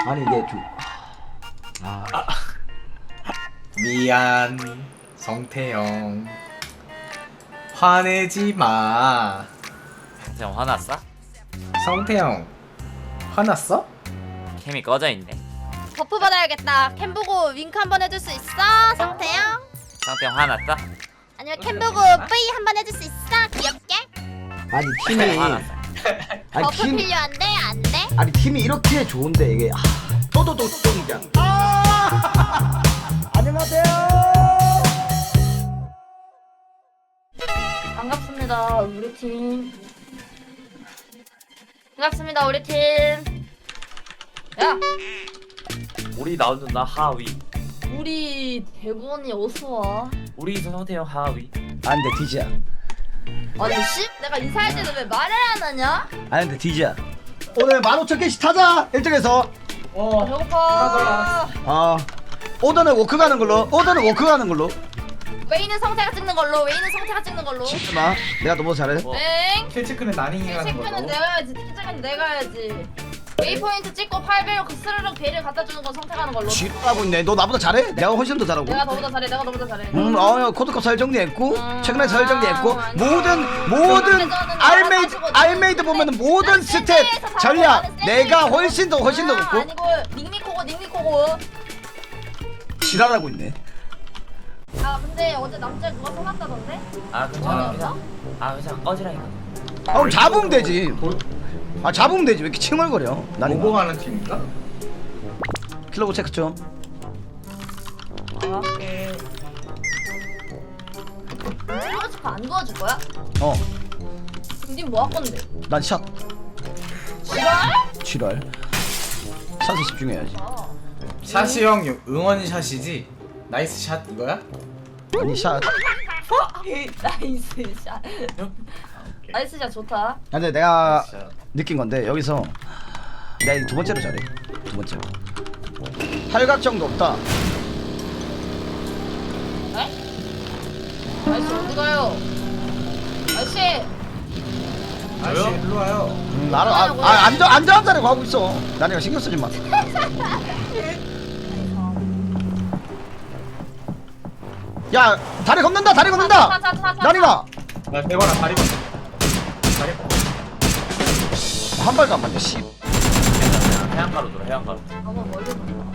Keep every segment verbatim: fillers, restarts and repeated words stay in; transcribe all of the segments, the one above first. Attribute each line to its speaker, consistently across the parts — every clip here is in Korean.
Speaker 1: 아니 이게 좀 아,
Speaker 2: 아. 미안 성태형 화내지 마.
Speaker 3: 형 화났어?
Speaker 2: 성태형 화났어?
Speaker 3: 캠이 꺼져 있네.
Speaker 4: 버프 받아야겠다. 캠 보고 윙크 한번 해줄 수 있어? 성태형?
Speaker 3: 상태 형 화났어?
Speaker 4: 아니면 캠 보고 뿌이 한번 해줄 수 있어? 귀엽게?
Speaker 1: 아니 팀이
Speaker 3: 화났어.
Speaker 1: 아니
Speaker 4: 버프
Speaker 1: 팀
Speaker 4: 필요한데? 안 돼?
Speaker 1: 아니 팀이 이렇게 좋은데 이게 아, 또또또 똥이야. 아! 안녕하세요.
Speaker 4: 반갑습니다 우리 팀. 반갑습니다 우리 팀. 야!
Speaker 3: 우리 나온다 하위.
Speaker 4: 우리 대본이 어서와.
Speaker 3: 우리 상태 형 하위.
Speaker 1: 안돼 디지야.
Speaker 4: 아니 씨? 내가 인사할 때도 왜 말을 안 하냐?
Speaker 1: 안돼 디지야. 오늘 만 오천 개씩 타자 일 등에서.
Speaker 2: 어
Speaker 4: 배고파.
Speaker 1: 아 오더는 워크 가는 걸로. 오더는 워크 가는 걸로.
Speaker 4: 웨이는 성태가 찍는 걸로. 웨이는 성태가 찍는 걸로.
Speaker 1: 잠깐만 내가 너무 잘해.
Speaker 3: 뭐.
Speaker 4: 엥?
Speaker 2: 킬체크는 나닝이 하는
Speaker 4: 체크는
Speaker 2: 걸로.
Speaker 4: 내가 해야지. 티켓은 내가 해야지. 웨이포인트 찍고 팔 배율 그 스르륵 배를 갖다 주는 건 성태가 하는 걸로.
Speaker 1: 지랄하고 있네. 너 나보다 잘해? 내가 훨씬 더 잘하고.
Speaker 4: 내가 너보다 잘해. 내가 너보다 잘해.
Speaker 1: 음, 어, 코드컵 설 정리했고,
Speaker 4: 음,
Speaker 1: 최근에 설 정리했고,
Speaker 4: 아,
Speaker 1: 모든 모든
Speaker 4: 회전은
Speaker 1: 알메이드
Speaker 4: 나가가지고
Speaker 1: 알메이드 보면은 모든
Speaker 4: 샌드위치
Speaker 1: 스텝
Speaker 4: 에서 바로
Speaker 1: 전략
Speaker 4: 나가는
Speaker 1: 내가
Speaker 4: 샌드위치.
Speaker 1: 훨씬 더 훨씬 더
Speaker 4: 아,
Speaker 1: 높고
Speaker 4: 아니고 닉미코고 닉미코고.
Speaker 1: 지랄하고 있네.
Speaker 4: 아 근데 어제 남자 누가 속았다던데?
Speaker 3: 아 괜찮아.
Speaker 4: 어디였어?
Speaker 3: 아 괜찮아 꺼지라니까.
Speaker 1: 아, 그럼 잡으면 되지. 아 잡으면 되지 왜 이렇게 칭얼거려? 난 이거
Speaker 2: 모공하는 팀인가?
Speaker 1: 킬러고 체크 좀.
Speaker 4: 아 오케이. 찔러가 치고 안 도와줄 거야?
Speaker 1: 어,
Speaker 4: 그럼 님 뭐 할 건데?
Speaker 1: 난 샷.
Speaker 4: 지랄?
Speaker 1: 지랄. 샷에 집중해야지.
Speaker 4: 아.
Speaker 2: 샷이 형 응원샷이지? 나이스 샷 이거야?
Speaker 1: 아니 샷.
Speaker 4: 나이스 샷. 나이스 샷 좋다.
Speaker 1: 근데 내가
Speaker 2: 샷.
Speaker 1: 느낀 건데 여기서 내가 이두 번째로 잘해. 두 번째로. 팔각정도 없다.
Speaker 4: 네? 아저씨 어디 가요? 아저씨.
Speaker 2: 아저씨 일로 와요.
Speaker 1: 음, 알아. 아, 아 안전 안전한 자리 가고 있어. 나니가 신경 쓰지 마. 야 다리 건넌다 다리 건넌다. 나니가
Speaker 2: 나 대관아 다리 봐. 다리 봐.
Speaker 1: 한 발도 안 맞네. 씨.
Speaker 3: 괜찮아. 해안가로 돌아 해안가로.
Speaker 4: 너무 멀리 간다.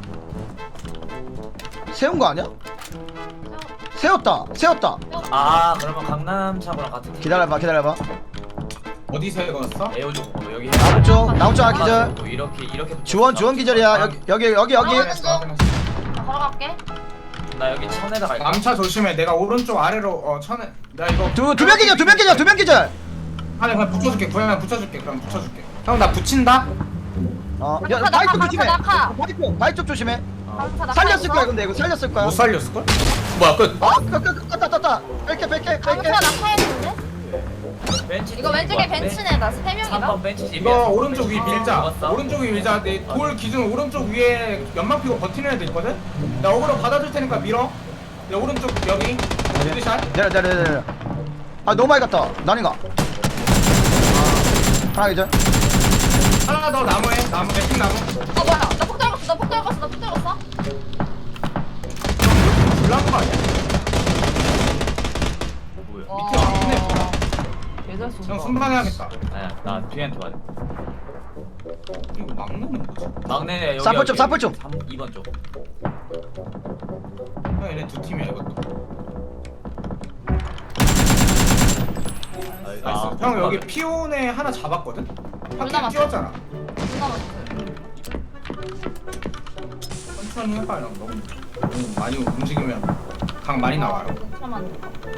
Speaker 1: 세운 거 아니야? 세웠다. 세웠다.
Speaker 3: 아 그러면 강남 차고랑 같은 길.
Speaker 1: 기다려봐 기다려봐.
Speaker 2: 어디 세웠어?
Speaker 3: 에어주 어, 여기
Speaker 1: 나무 쪽 나무 쪽 아, 기절.
Speaker 3: 뭐 이렇게 이렇게.
Speaker 1: 주원 주원 기절이야. 여기 여기 여기 여기.
Speaker 4: 나 걸어갈게.
Speaker 3: 나 여기 천에다 갈게.
Speaker 2: 남차 조심해. 내가 오른쪽 아래로 어 천에 나 이거
Speaker 1: 두두명 기절 두 명 기절 두 명 기절.
Speaker 2: 아니 그냥 붙여줄게. 그냥 붙여줄게. 그럼 붙여줄게. 형 나 붙인다.
Speaker 1: 어, 야
Speaker 4: 낙하,
Speaker 1: 바위 쪽
Speaker 4: 낙하,
Speaker 1: 조심해.
Speaker 4: 낙하.
Speaker 1: 바위 쪽 바위 쪽 조심해.
Speaker 4: 강타 낙하
Speaker 1: 살렸을
Speaker 4: 있어?
Speaker 1: 거야 근데 이거 살렸을 거야.
Speaker 2: 못 살렸을 걸? 뭐야 끝?
Speaker 1: 어? 껐다 껐다 뺄게 뺄게 뺄게.
Speaker 4: 강타 낙하했는데?
Speaker 3: 벤치.
Speaker 4: 이거 왼쪽에 벤츠네. 나 세 명이다.
Speaker 3: 삼 번 벤치 집이야.
Speaker 2: 이거 오른쪽 위 밀자.
Speaker 3: 먹었어?
Speaker 2: 오른쪽 위 밀자. 내 돌 기준 오른쪽 위에 연막 피고 버티는 애들 있거든. 나 어그로 받아줄 테니까 밀어. 내 오른쪽 여기 헤드샷.
Speaker 1: 내려 내려 내려. 아 너무 많이 갔다. 나니가. 하나 기절.
Speaker 2: 하나 더 나무에 나무 맵핑 나무.
Speaker 4: 어 뭐야? 나폭 떨궜어. 나폭 떨궜어. 나폭 떨궜어.
Speaker 2: 불난 거 아니야?
Speaker 3: 뭐야?
Speaker 2: 밑에 막히네.
Speaker 4: 개잘 쏜다.
Speaker 2: 형 순방해야겠다.
Speaker 3: 아니야 나 뒤한테 맞아.
Speaker 2: 이거 막내는 뭐지?
Speaker 3: 막내네 여기.
Speaker 1: 사플 좀,
Speaker 3: 여기.
Speaker 1: 사플 좀.
Speaker 3: 삼- 이 번 쪽.
Speaker 2: 형 얘네 두 팀이야 이것도. 나이스.
Speaker 3: 아,
Speaker 2: 형 여기 피온에 하나 잡았거든?
Speaker 4: 남았어.
Speaker 2: 파킹 뛰었잖아.
Speaker 4: 존나 맛있어.
Speaker 2: 천천히 해봐 형. 너무, 너무 많이 움직이면 강 많이 나와요.
Speaker 4: 잠깐만.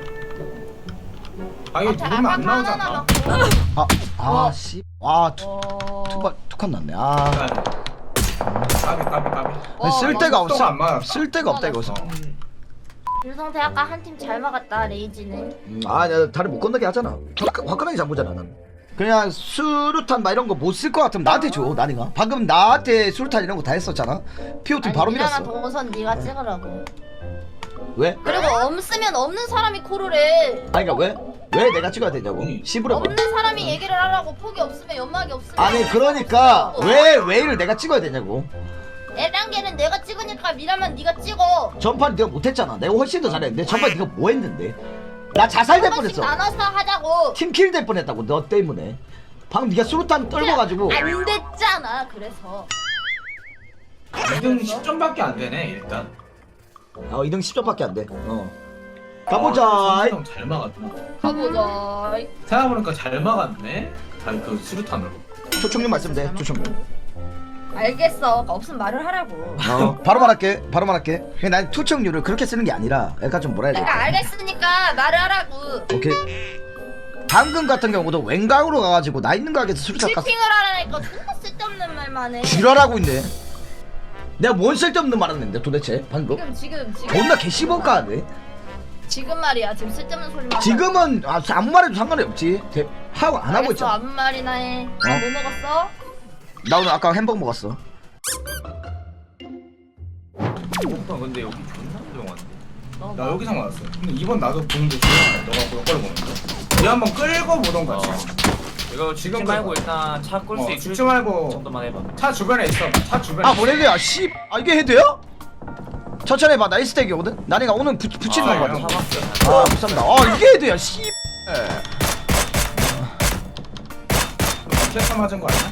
Speaker 2: 아 이거 누르면 안 나오잖아.
Speaker 1: 아, 아,
Speaker 4: 와.
Speaker 1: 씨. 아, 투,
Speaker 4: 와.
Speaker 1: 투발, 투컷 났네. 아.
Speaker 2: 까비 까비 까비.
Speaker 4: 와,
Speaker 1: 쓸
Speaker 4: 와,
Speaker 1: 데가
Speaker 2: 속도가
Speaker 1: 없어.
Speaker 2: 안 맞았다.
Speaker 1: 쓸 데가 없다, 이거.
Speaker 4: 유성태 아까 한 팀 잘 막았다. 레이지는.
Speaker 1: 음, 아, 내가 다리 못 건너게 하잖아. 화끈- 화끈하게 잡보잖아, 난. 그냥 수류탄 막 이런 거 못 쓸 것 같으면 나한테 줘, 나니가. 방금 나한테 수류탄 이런 거 다 했었잖아. 피오팀 바로
Speaker 4: 미안한
Speaker 1: 밀었어.
Speaker 4: 동선 네가 찍으라고.
Speaker 1: 왜?
Speaker 4: 그리고 없으면 없는 사람이 콜을 해.
Speaker 1: 아니 그러니까 왜? 왜 내가 찍어야 되냐고 씨부려봐.
Speaker 4: 없는 사람이 얘기를 하라고. 폭이 없으면 연막이 없으면.
Speaker 1: 아니 그러니까 왜 왜를 내가 찍어야 되냐고.
Speaker 4: 에란게는 내가 찍으니까 미라면 네가 찍어.
Speaker 1: 전판 네가 못했잖아. 내가 훨씬 더 잘했는데 전판 네가 뭐 했는데? 나 자살될
Speaker 4: 한 번씩
Speaker 1: 뻔했어.
Speaker 4: 나눠서 하자고.
Speaker 1: 팀킬 될 뻔했다고 너 때문에. 방금 네가 수류탄 떨궈가지고.
Speaker 4: 안 됐잖아. 그래서.
Speaker 2: 이 등 십 점밖에 안 되네 일단.
Speaker 1: 어 이 등 십 점밖에 안 돼. 어. 가보자.
Speaker 2: 아, 잘 막았다.
Speaker 4: 가보자.
Speaker 2: 생각해보니까 잘 막았네. 잘 그 수류탄으로.
Speaker 1: 초청님 말씀돼. 초청님.
Speaker 4: 알겠어. 없으면 말을 하라고.
Speaker 1: 어 바로 말할게. 바로 말할게. 그냥 난 투척률을 그렇게 쓰는 게 아니라 약간 좀 뭐라 해야
Speaker 4: 내가
Speaker 1: 돼.
Speaker 4: 알겠으니까 말을 하라고.
Speaker 1: 오케이. 방금 같은 경우도 왼각으로 가가지고 나 있는 가게에서 수류탄 깠어.
Speaker 4: 칠핑을 하라니까 존나 쓸데없는 말만 해.
Speaker 1: 지랄하고 있네. 내가 뭔 쓸데없는 말 했는데 도대체 방금?
Speaker 4: 지금 지금 지금
Speaker 1: 존나 개씹어까네.
Speaker 4: 지금 말이야. 지금 쓸데없는 소리만.
Speaker 1: 지금은 아, 아무 말해도 상관이 없지. 대, 하고 안 하고
Speaker 4: 알겠어.
Speaker 1: 있잖아.
Speaker 4: 아무 말이나 해.
Speaker 1: 어?
Speaker 4: 뭐 먹었어?
Speaker 1: 나 오늘 아까 햄버거 먹었어.
Speaker 3: 오빠 근데 여기 존나 조용한데.
Speaker 4: 너
Speaker 2: 나
Speaker 4: 뭐?
Speaker 2: 여기서 맞았어. 근데 이번 나도 보는데 조용하네. 너가 그걸 보면서. 얘 한번 끌고 보던가.
Speaker 3: 어. 이거 죽지
Speaker 2: 지금
Speaker 3: 말고
Speaker 2: 그거.
Speaker 3: 일단 차 끌 수
Speaker 2: 어,
Speaker 3: 있을
Speaker 2: 죽지 말고
Speaker 3: 정도만 해봐.
Speaker 2: 차 주변에 있어. 차 주변에.
Speaker 1: 아 뭐래야 씨. 아 이게 헤드야? 천천히 해봐. 나 일스택이거든. 나니가 오늘 부, 붙이는
Speaker 2: 아,
Speaker 1: 거
Speaker 2: 형.
Speaker 1: 같아.
Speaker 3: 차박스.
Speaker 1: 아 감사합니다. 아 이게 헤드야 씨.
Speaker 2: 캐터 맞은 거 아니야?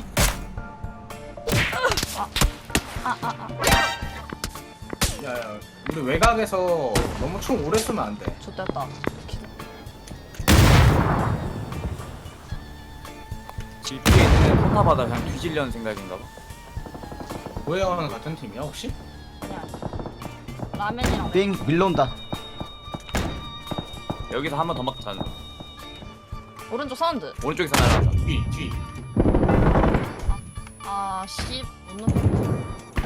Speaker 2: 야야, 우리 외곽에서 너무 총 오래 쏘면 안 돼.
Speaker 4: 좋됐다.
Speaker 3: 집 뒤에 있는 포탑하다 그냥 뒤질려는 생각인가 봐.
Speaker 2: 고해원은 같은 팀이야 혹시?
Speaker 4: 아니야. 라면이랑.
Speaker 1: 빙 밀러온다.
Speaker 3: 여기서 한 번 더 막자는.
Speaker 4: 오른쪽 사운드.
Speaker 3: 오른쪽에서 날아가자.
Speaker 2: 뒤 뒤.
Speaker 4: 아 씨. 오늘.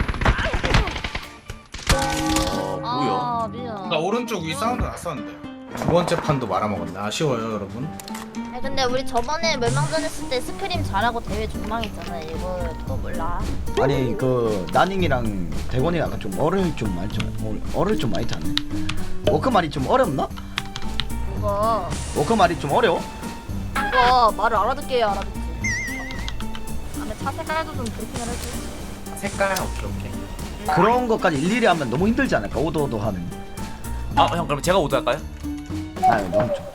Speaker 3: 어 뭐야?
Speaker 4: 아 미안.
Speaker 2: 나 오른쪽 위 사운드 났었는데. 두 번째 판도 말아먹었네. 아쉬워요 여러분.
Speaker 4: 아, 근데 우리 저번에 멸망전 했을 때 스크림 잘하고 대회 존망했잖아. 이거 또 몰라.
Speaker 1: 아니 그 나닝이랑 대건이가 아까 좀 어를 좀 많이 좀 어를 좀 많이 타네. 워크 말이 좀 어렵나?
Speaker 4: 이거
Speaker 1: 워크 말이 좀 어려워?
Speaker 4: 이거 말을 알아듣게 해야 알아듣지. 다음에 차 색깔도 좀 브리핑을 해줘.
Speaker 2: 색깔 오케이 오케이.
Speaker 1: 그런 것까지 일일이 하면 너무 힘들지 않을까? 오도오도 하는.
Speaker 3: 아 형 그럼 제가 오드 할까요?
Speaker 1: 아유 너무 좀.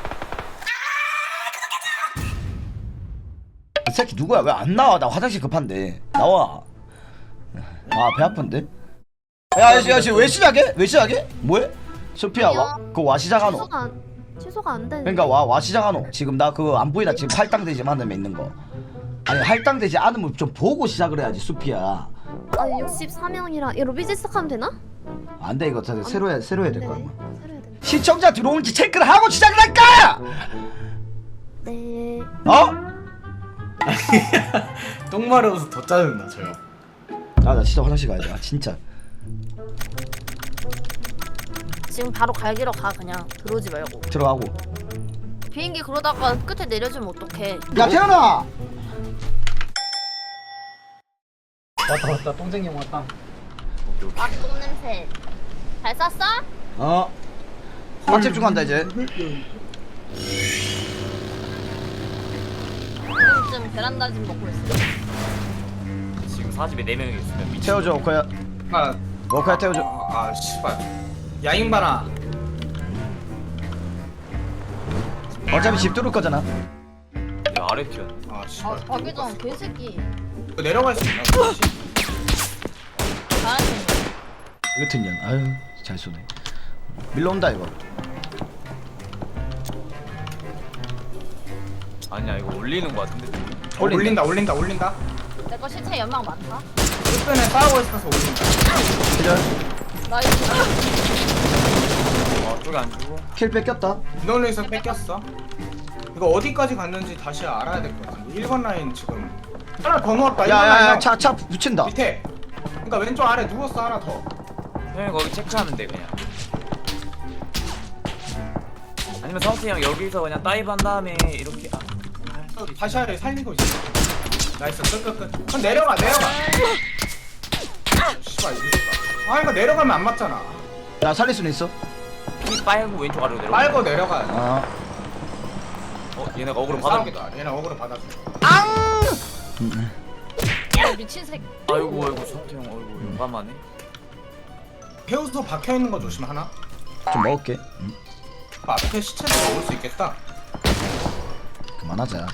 Speaker 1: 이 새끼 누구야? 왜 안 나와? 나 화장실 급한데. 나와. 아 배 아픈데? 야, 야, 야, 왜 시작해? 왜 시작해? 뭐해? 소피야, 와, 그거 와 시작하노.
Speaker 5: 취소가 안 취소가 안 되네.
Speaker 1: 그러니까 와, 와 시작하노. 지금 나 그거 안 보이나? 지금 할당되지 않으면 있는 거. 아니 할당되지 않으면 좀 보고 시작을 해야지, 수피야.
Speaker 5: 아 육십사 명이라 이거 로비즈 시작하면 되나?
Speaker 1: 안 돼, 이거 다 새로 해, 새로 해야 될 거야.
Speaker 5: 네네. 새로 해야 되나?
Speaker 1: 시청자 들어온지 체크를 하고 시작을 할까?
Speaker 5: 네.
Speaker 1: 어?
Speaker 2: 똥 마려워서 더 짜증나 저 형.
Speaker 1: 아, 나 진짜 화장실 가야 돼. 아, 진짜.
Speaker 4: 지금 바로 갈기러 가 그냥. 들어오지 말고.
Speaker 1: 들어가고.
Speaker 4: 비행기 그러다가 끝에 내려주면 어떡해.
Speaker 1: 야, 태연아.
Speaker 2: 왔다 왔다 똥쟁이 형 왔다.
Speaker 4: 막똥 냄새. 잘 쌌어?
Speaker 1: 어. 맛집 중 간다 이제.
Speaker 4: 지금쯤 베란다집 먹고 있어.
Speaker 3: 지금 사집에 네 명이 있으면 미친.
Speaker 1: 태워줘, 오카야.
Speaker 2: 아,
Speaker 1: 오카야 태워줘.
Speaker 2: 아, 아 씨발. 야인바라.
Speaker 1: 어차피 집 뚫을 거잖아.
Speaker 3: 야 아래 튀어.
Speaker 2: 아
Speaker 4: 아
Speaker 2: 씨발.
Speaker 4: 박유정 개새끼.
Speaker 2: 이거 내려갈 수 있나? 혹시?
Speaker 4: 잘하는 거.
Speaker 1: 이거 튼년. 아유, 잘 쏘네. 밀러온다 이거.
Speaker 3: 아니야 이거 올리는 거 같은데.
Speaker 2: 어, 올린다 올린다 올린다.
Speaker 4: 내거 실체 연막 많다.
Speaker 2: 끝변에 싸우고 있어서 올린다.
Speaker 1: 기절.
Speaker 4: 나이스.
Speaker 3: 어 쪽에 안 주고.
Speaker 1: 킬 뺏겼다.
Speaker 2: 인원에서 뺏겼어. 이거 어디까지 갔는지 다시 알아야 될 것 같은데. 일 번 라인 지금 하나 더 넣었다. 일 번
Speaker 1: 야야야,
Speaker 2: 라인
Speaker 1: 차 차 붙인다.
Speaker 2: 밑에. 그러니까 왼쪽 아래 누웠어 하나 더.
Speaker 3: 형이 거기 체크하면 돼 그냥. 아니면 성태 형 여기서 그냥 다이브 한 다음에 이렇게. 아.
Speaker 2: 어, 다시 아래 살리고 있어. 나이스 끝끝끝. 그럼 내려가 내려가. 씨발 이거. 아 이거 내려가면 안 맞잖아.
Speaker 1: 나 살릴 수는 있어.
Speaker 3: 피 빨고 왼쪽 아래로 내려가.
Speaker 2: 빨고 내려가.
Speaker 1: 아.
Speaker 3: 어 얘네가 어그로 받아.
Speaker 2: 싸우겠다. 얘는 어그로 받아줘.
Speaker 4: 야, 미친 새끼.
Speaker 3: 아이고 아이고 성태 형 아이고 용감하네.
Speaker 2: 해우소 박혀 있는 거 조심 하나.
Speaker 1: 좀 먹을게. 응.
Speaker 2: 그 앞에 시체도 먹을 수 있겠다.
Speaker 1: 그만하자.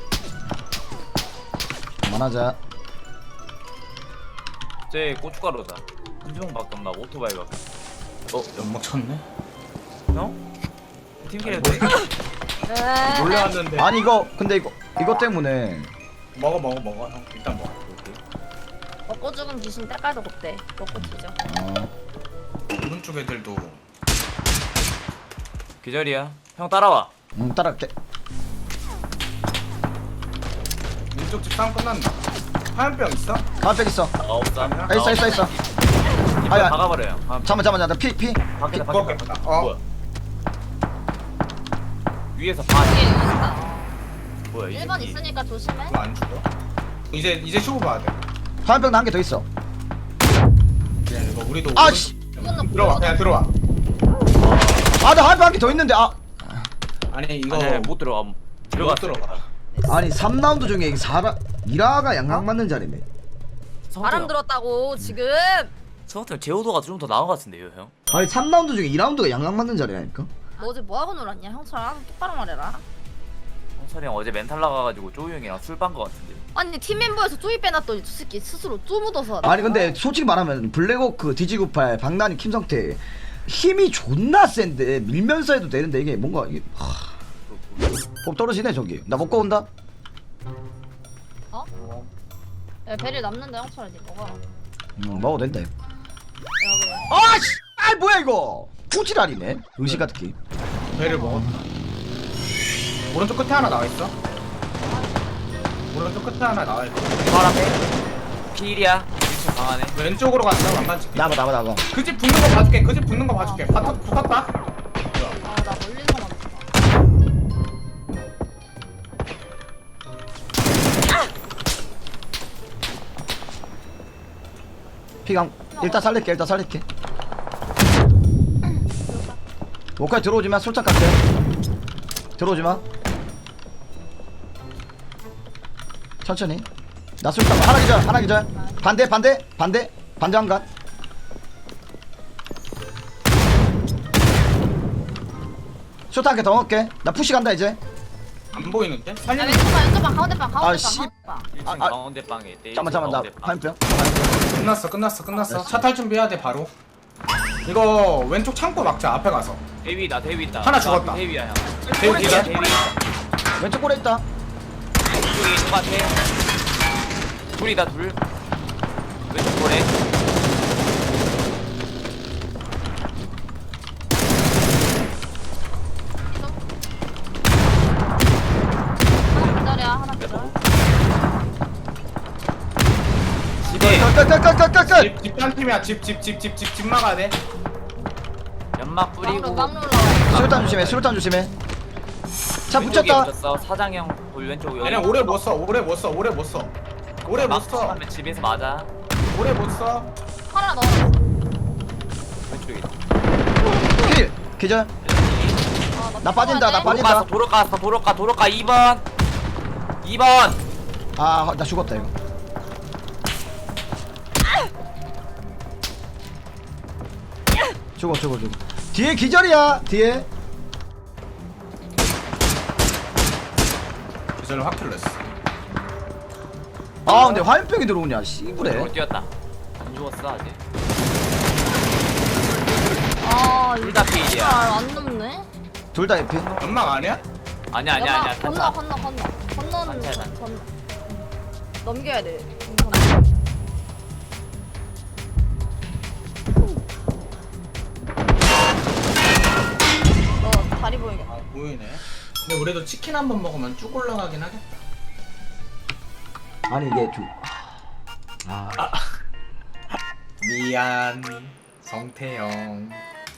Speaker 1: 그만하자.
Speaker 3: 쟤 고춧가루다. 한 주먹밖에 없나 오토바이가.
Speaker 2: 어 연막 쳤네.
Speaker 3: 형? 팀킬해도 돼?
Speaker 4: 네.
Speaker 2: 몰려왔는데.
Speaker 1: 아니 이거 근데 이거 이거 때문에
Speaker 2: 먹어 먹어 먹어. 형 일단 먹어.
Speaker 4: 먹고 죽은 귀신 때깔도 곱대. 먹고 뒤져.
Speaker 1: 어.
Speaker 2: 오른쪽 애들도
Speaker 3: 기절이야. 형 따라와.
Speaker 1: 응 따라갈게.
Speaker 2: 왼쪽 집 싸움 끝났나? 화염병 있어?
Speaker 1: 가만백 있어.
Speaker 3: 아 없다.
Speaker 2: 아,
Speaker 1: 아 있어 있어 있어.
Speaker 3: 이빨
Speaker 1: 아야.
Speaker 3: 박아버려요. 아,
Speaker 1: 잠만 잠만 잠만 피 피.
Speaker 3: 밖에
Speaker 2: 그거
Speaker 3: 밖에
Speaker 2: 겠다
Speaker 3: 밖에.
Speaker 2: 어.
Speaker 3: 뭐야? 위에서 봐.
Speaker 4: 뒤에 있다.
Speaker 3: 뭐야 이
Speaker 4: 일 번
Speaker 3: 새끼.
Speaker 4: 있으니까 조심해.
Speaker 2: 이거 안 죽어? 이제 이제 쇼부 봐야 돼.
Speaker 1: 화염병 나 한 개 더 있어.
Speaker 2: 그냥 이거 우리도
Speaker 1: 아,
Speaker 2: 오른-
Speaker 1: 씨.
Speaker 4: 이거는
Speaker 2: 들어와 그냥 들어와.
Speaker 1: 아 나 화염병 한 개 더 있는데 아.
Speaker 2: 아니 이거
Speaker 3: 아니 못 들어가.
Speaker 2: 못
Speaker 3: 들어가
Speaker 2: 들어가.
Speaker 1: 아니 삼 라운드 중에 사라 이라가 양각 맞는 자리네.
Speaker 4: 바람 들었다고 지금.
Speaker 3: 성태 제호도가 좀 더 나은 것 같은데요 형?
Speaker 1: 아니 삼 라운드 중에 이 라운드가 양각 맞는 자리라니까.
Speaker 4: 너 어제 뭐 하고 놀았냐? 형처럼 똑바로 말해라.
Speaker 3: 성철이 형 어제 멘탈 나가가지고 쪼우 형이랑 술 빤 것 같은데.
Speaker 4: 아니 팀 멤버에서 쪼이 빼놨더니 저 새끼 스스로 쪼 묻어서.
Speaker 1: 아니 근데 솔직히 말하면 블랙워크, 디지구팔, 박나니, 김성태 힘이 존나 센데 밀면서 해도 되는데 이게 뭔가 이게 하... 복 떨어지네 저기. 나 먹고 온다.
Speaker 4: 어? 야 베릴 남는다 형처럼 니 먹어.
Speaker 1: 음 먹어도 된다. 이거.
Speaker 4: 여기.
Speaker 1: 아씨, 아 뭐야 이거? 후지랄이네. 의식 같은 게.
Speaker 2: 배를 먹었다. 오른쪽 끝에 하나 나와 있어. 오른쪽 끝에 하나 나와 있어.
Speaker 3: 바로 앞에 필이야. 위치 강하네.
Speaker 2: 왼쪽으로 갔어. 왕관집.
Speaker 1: 나가 나가 나가.
Speaker 2: 그 집 붙는 거 봐줄게. 그 집 붙는 거 봐줄게. 바, 붙었다.
Speaker 4: 아나 멀리서만 봤어.
Speaker 1: 피강 일단 살릴게 일단 살릴게. 목까지 들어오지마. 솔짝 갈게. 들어오지마. 천천히. 나 솔짝 하나 기절 하나 기절. 반대 반대 반대 반대 한간. 쇼트 한 개 더 먹을게. 나 푸시 간다 이제.
Speaker 2: 안 보이는데?
Speaker 4: 야
Speaker 2: 살리는
Speaker 4: 왼쪽 방 왼쪽 방 가운데 방 가운데
Speaker 1: 아,
Speaker 4: 방
Speaker 1: 씨.
Speaker 4: 가운데 방.
Speaker 3: 일 층
Speaker 1: 아, 아.
Speaker 3: 가운데 방에 있대.
Speaker 1: 잠만 잠만 나 화염병.
Speaker 2: 끝났어. 끝났어. 끝났어.
Speaker 1: 알았어.
Speaker 2: 차 탈 준비해야 돼 바로. 이거 왼쪽 창고 막자. 앞에 가서.
Speaker 3: 대위다 대위 있다.
Speaker 2: 하나 죽었다.
Speaker 3: 대위야 형.
Speaker 2: 대위 기절.
Speaker 3: 대위 있다.
Speaker 1: 왼쪽 골에 있다.
Speaker 3: 이쪽에 있는 것 같아. 둘이다 둘. 왼쪽 볼에.
Speaker 4: 하나 기다려 하나 기다려.
Speaker 3: 집에
Speaker 1: 끝끝끝끝끝.
Speaker 2: 집, 집단 팀이야. 집, 집, 집, 집, 집, 집 막아야 돼.
Speaker 3: 연막 뿌리고.
Speaker 4: 막루 막루 올라와.
Speaker 1: 수류탄 조심해. 수류탄 조심해. 차
Speaker 3: 왼쪽에
Speaker 1: 붙였다.
Speaker 3: 붙였어. 사장형 볼 왼쪽 여기.
Speaker 2: 얘네 오래 못 써. 오래 못 써. 오래 못 써. 오래 못 써.
Speaker 3: 하면 집에서 맞아.
Speaker 2: 오래 못 써.
Speaker 4: 하나 넣어.
Speaker 3: 왼쪽에.
Speaker 1: 킬. 기절. 나 빠진다, 나 빠진다.
Speaker 3: 도로 갔어 도로 갔어 도로 가 도로 가 이 번. 이 번.
Speaker 1: 아, 나 죽었다 이거. 죽어, 죽어, 죽어. 뒤에 기절이야. 뒤에.
Speaker 2: 기절로 확 킬렀어.
Speaker 1: 아, 근데 화염병이 들어오냐? 씨부래.
Speaker 3: 도로 뛰었다. 안 죽었어 아직.
Speaker 4: 아
Speaker 3: 둘다 피일이야.
Speaker 4: 안 넘네.
Speaker 1: 둘 다 에피.
Speaker 2: 연막 아니야?
Speaker 3: 아니야 아니야
Speaker 4: 연막
Speaker 3: 아니야.
Speaker 4: 건너 건너 건너 건너는
Speaker 3: 단차야, 단차.
Speaker 4: 건너. 넘겨야 돼. 너 다리 보이겠다.
Speaker 2: 아 보이네. 근데 우리도 치킨 한 번 먹으면 쭉 올라가긴 하겠다.
Speaker 1: 아니 이게 좀. 아,
Speaker 2: 미안 성태형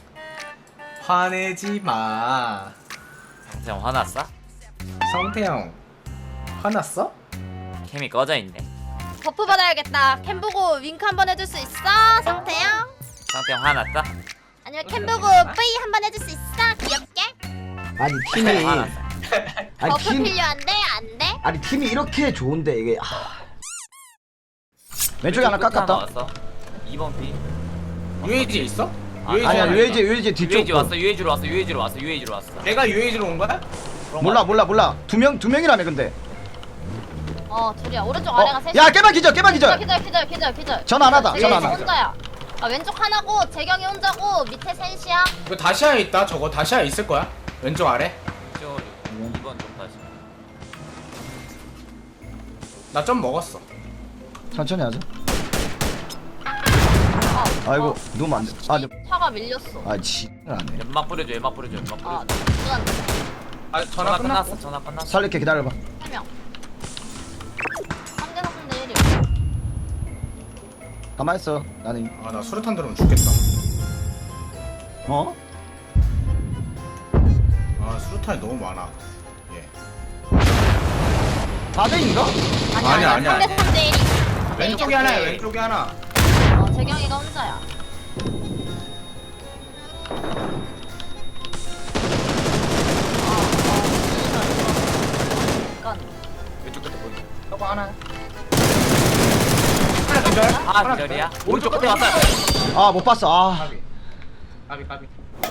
Speaker 2: 화내지 마.
Speaker 3: 상태형 화났어?
Speaker 2: 성태형 화났어?
Speaker 3: 캠이 꺼져 있네.
Speaker 4: 버프 받아야겠다. 캠 보고 윙크 한번 해줄 수 있어, 상태형?
Speaker 3: 상태형 화났어?
Speaker 5: 아니면 캠 보고 뿌이 한번 해줄 수 있어? 귀엽게?
Speaker 1: 아니 팀이
Speaker 3: 알았어.
Speaker 1: 아니
Speaker 5: 버프
Speaker 1: 팀
Speaker 5: 필요한데? 안 돼?
Speaker 1: 아니 팀이 이렇게 좋은데 이게 하... 왼쪽에 하나
Speaker 3: 끝에
Speaker 1: 깎았다.
Speaker 3: 왔어. 이 번 피.
Speaker 2: 유에이지 있어?
Speaker 3: 아,
Speaker 2: 유에이지
Speaker 1: 아니야
Speaker 2: 하나
Speaker 1: 유에이지
Speaker 2: 있다.
Speaker 1: 유에이지 뒤쪽
Speaker 3: 유에이지 왔어. 유에이지로 왔어. 유에이지로 왔어. 유에이지로 왔어.
Speaker 2: 내가 유에이지로 온 거야?
Speaker 3: 그런
Speaker 1: 몰라
Speaker 3: 거
Speaker 1: 몰라 몰라 두 명 두 명이라며 근데.
Speaker 4: 어 둘이야 오른쪽
Speaker 1: 어?
Speaker 4: 아래가 셋이
Speaker 1: 야 깨박 기절 깨박 기절.
Speaker 4: 기절 기절 기절 기절
Speaker 1: 전 안 하다,
Speaker 4: 재경이
Speaker 1: 전 안 하다.
Speaker 4: 혼자야 아 왼쪽 하나고 재경이 혼자고 밑에 셋이야
Speaker 2: 이거 다시아에 있다. 저거 다시아에 있을 거야. 왼쪽 아래.
Speaker 3: 찍어줘. 이 번 좀 다시.
Speaker 2: 나 좀 먹었어.
Speaker 1: 천천히 하자.
Speaker 4: 아,
Speaker 1: 아이고
Speaker 4: 어.
Speaker 1: 누우면 안 돼. 아, 네.
Speaker 4: 차가 밀렸어
Speaker 1: 아 지. 안 해.
Speaker 3: 연막 뿌려줘. 연막 뿌려줘. 연막
Speaker 4: 아
Speaker 3: 뿌려줘.
Speaker 4: 시간
Speaker 2: 아
Speaker 3: 전화
Speaker 2: 전화 끝났어.
Speaker 3: 끝났어. 전화 끝났어.
Speaker 1: 살릴게 기다려봐.
Speaker 4: 세명 삼 대 삼 대 일이야
Speaker 1: 가만 있어. 나는
Speaker 2: 아나 수류탄 들으면 죽겠다.
Speaker 1: 어?
Speaker 2: 아 수류탄이 너무 많아. 예.
Speaker 1: 사 대인가?
Speaker 2: 아니야, 아니야,
Speaker 4: 삼 대 삼 대 일이
Speaker 2: 왼쪽에 하나야. 왼쪽에 하나.
Speaker 4: 어 재경이가 혼자야 약간
Speaker 3: 왼쪽 끝에 보이.
Speaker 2: 저거 하나. 하나 기절.
Speaker 3: 아
Speaker 2: 하나
Speaker 3: 기절이야?
Speaker 2: 기절.
Speaker 3: 오른쪽 끝에 왔어.
Speaker 1: 아 못 봤어. 아.
Speaker 2: 까비. 까비 까비.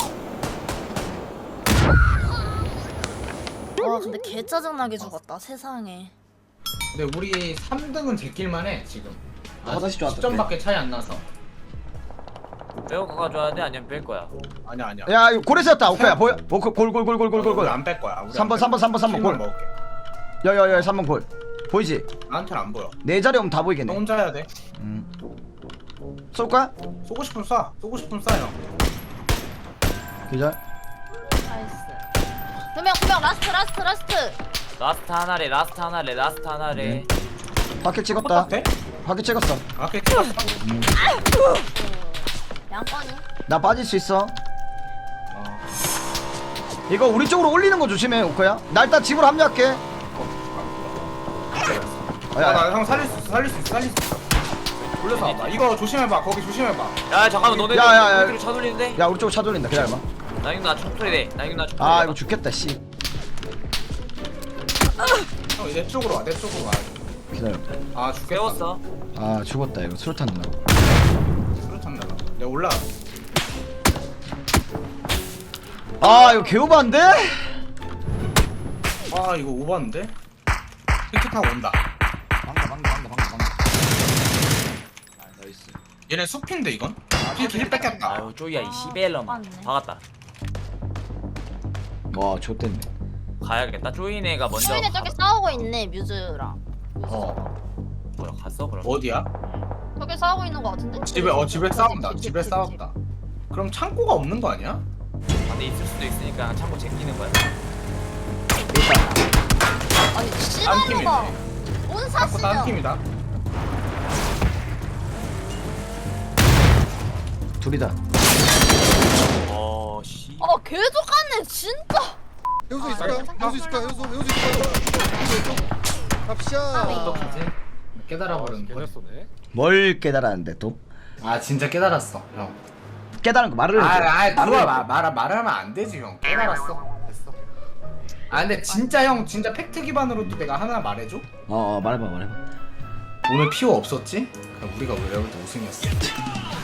Speaker 4: 와 근데 개 짜증나게 죽었다 세상에
Speaker 2: 근데 우리 삼 등은 제낄만 해 지금.
Speaker 1: 화장실 좀
Speaker 2: 십 점밖에 차이 안 나서.
Speaker 3: 빼고 가져야 돼? 아니면 뺄 거야?
Speaker 2: 아니야 아니야.
Speaker 1: 야 이거 고래였다. 오케이 보여. 골골골골골골골.
Speaker 2: 안뺄 거야. 우리
Speaker 1: 삼 번,
Speaker 2: 안
Speaker 1: 삼 번, 삼 번, 삼 번,
Speaker 2: 킬만
Speaker 1: 골.
Speaker 2: 먹을게.
Speaker 1: 야야야 삼 번 골. 보이지?
Speaker 2: 나한테는 안 보여.
Speaker 1: 내 자리 오면 다
Speaker 2: 너
Speaker 1: 보이겠네.
Speaker 2: 혼자 해야 돼.
Speaker 1: 음. 쏠까?
Speaker 2: 쏘고 싶으면 쏴. 쏘고 싶으면 쏴 형.
Speaker 1: 기절.
Speaker 4: 나이스 두명 두 명 라스트 라스트 라스트
Speaker 3: 라스트 하나래. 라스트 하나래. 라스트 하나래.
Speaker 1: 바퀴 찍었다.
Speaker 2: 돼?
Speaker 1: 바퀴 찍었어.
Speaker 2: 아 그래 찍었어.
Speaker 4: 양권이
Speaker 1: 나 빠질 수 있어.
Speaker 2: 어.
Speaker 1: 이거 우리 쪽으로 올리는 거 조심해 오코야. 나 일단 집으로 합류할게. 어, 야, 야.
Speaker 2: 아나형 살릴 수 있어. 살릴 수 있어. 살릴 수 있어. 올려서 와봐. 이거 조심해봐. 거기 조심해봐.
Speaker 3: 야 잠깐만 너네
Speaker 1: 야, 야, 야.
Speaker 3: 우리로 차 돌리는데?
Speaker 1: 야 우리 쪽으로 차 돌린다. 기다려봐.
Speaker 3: 나이는 나 총소리 돼. 나이는 나 총소리.
Speaker 1: 아 이거 죽겠다 씨.
Speaker 2: 형 내 쪽으로 와. 내 쪽으로 와.
Speaker 1: 기다려.
Speaker 2: 아 죽겠다.
Speaker 3: 세웠어.
Speaker 1: 아 죽었다 이거 수류탄 누나.
Speaker 2: 수류탄 날라. 내가 올라.
Speaker 1: 아 이거 개오반데?
Speaker 2: 아 이거 오버인데? 이렇게 타고 온다.
Speaker 1: 방가 방가 방가 방가 방가. 아 나이스.
Speaker 2: 얘네 숲인데 이건? 뒤에 길 뺏겼다.
Speaker 3: 아유 쪼이야 이 시벨럼.
Speaker 4: 맞네.
Speaker 3: 박았다.
Speaker 1: 와 좋댔네.
Speaker 3: 가야겠다. 쪼이네가 먼저.
Speaker 4: 소인이 저기 싸우고 있네 뮤즈랑
Speaker 2: 어.
Speaker 3: 뭐야 갔어 그럼?
Speaker 2: 어디야?
Speaker 4: 저기 싸우고 있는 거 같은데?
Speaker 2: 집에 어 집에 싸운다. 집에 싸웠다. 그럼 창고가 없는 거 아니야?
Speaker 3: 근데 있을 수도 있으니까 참고 챙기는 거야.
Speaker 4: 아니
Speaker 2: 딴
Speaker 4: 씨발로가
Speaker 2: 팀이네.
Speaker 4: 뭔
Speaker 2: 창고 딴
Speaker 4: 사시냐
Speaker 2: 팀이다.
Speaker 1: 둘이다.
Speaker 3: 어 씨.
Speaker 4: 어 개족같네 진짜
Speaker 6: 해우소
Speaker 4: 아,
Speaker 6: 있을까?
Speaker 4: 네.
Speaker 6: 해우소 있을까? 해우소 해우소 있을까? 갑시다.
Speaker 2: 어떡하지? 깨달아 버린 거.
Speaker 1: 뭘 깨달았는데 또?
Speaker 2: 아 진짜 깨달았어 형.
Speaker 1: 깨달은 거 말을 해줘.
Speaker 2: 아아 그거 말 말 말하면 안 되지 형. 깨달았어. 됐어. 아 근데 진짜 형 진짜 팩트 기반으로도 내가 하나 말해줘.
Speaker 1: 어, 어 말해봐 말해봐.
Speaker 2: 오늘 피오 없었지? 그럼 우리가 왜 여기서 우승했어?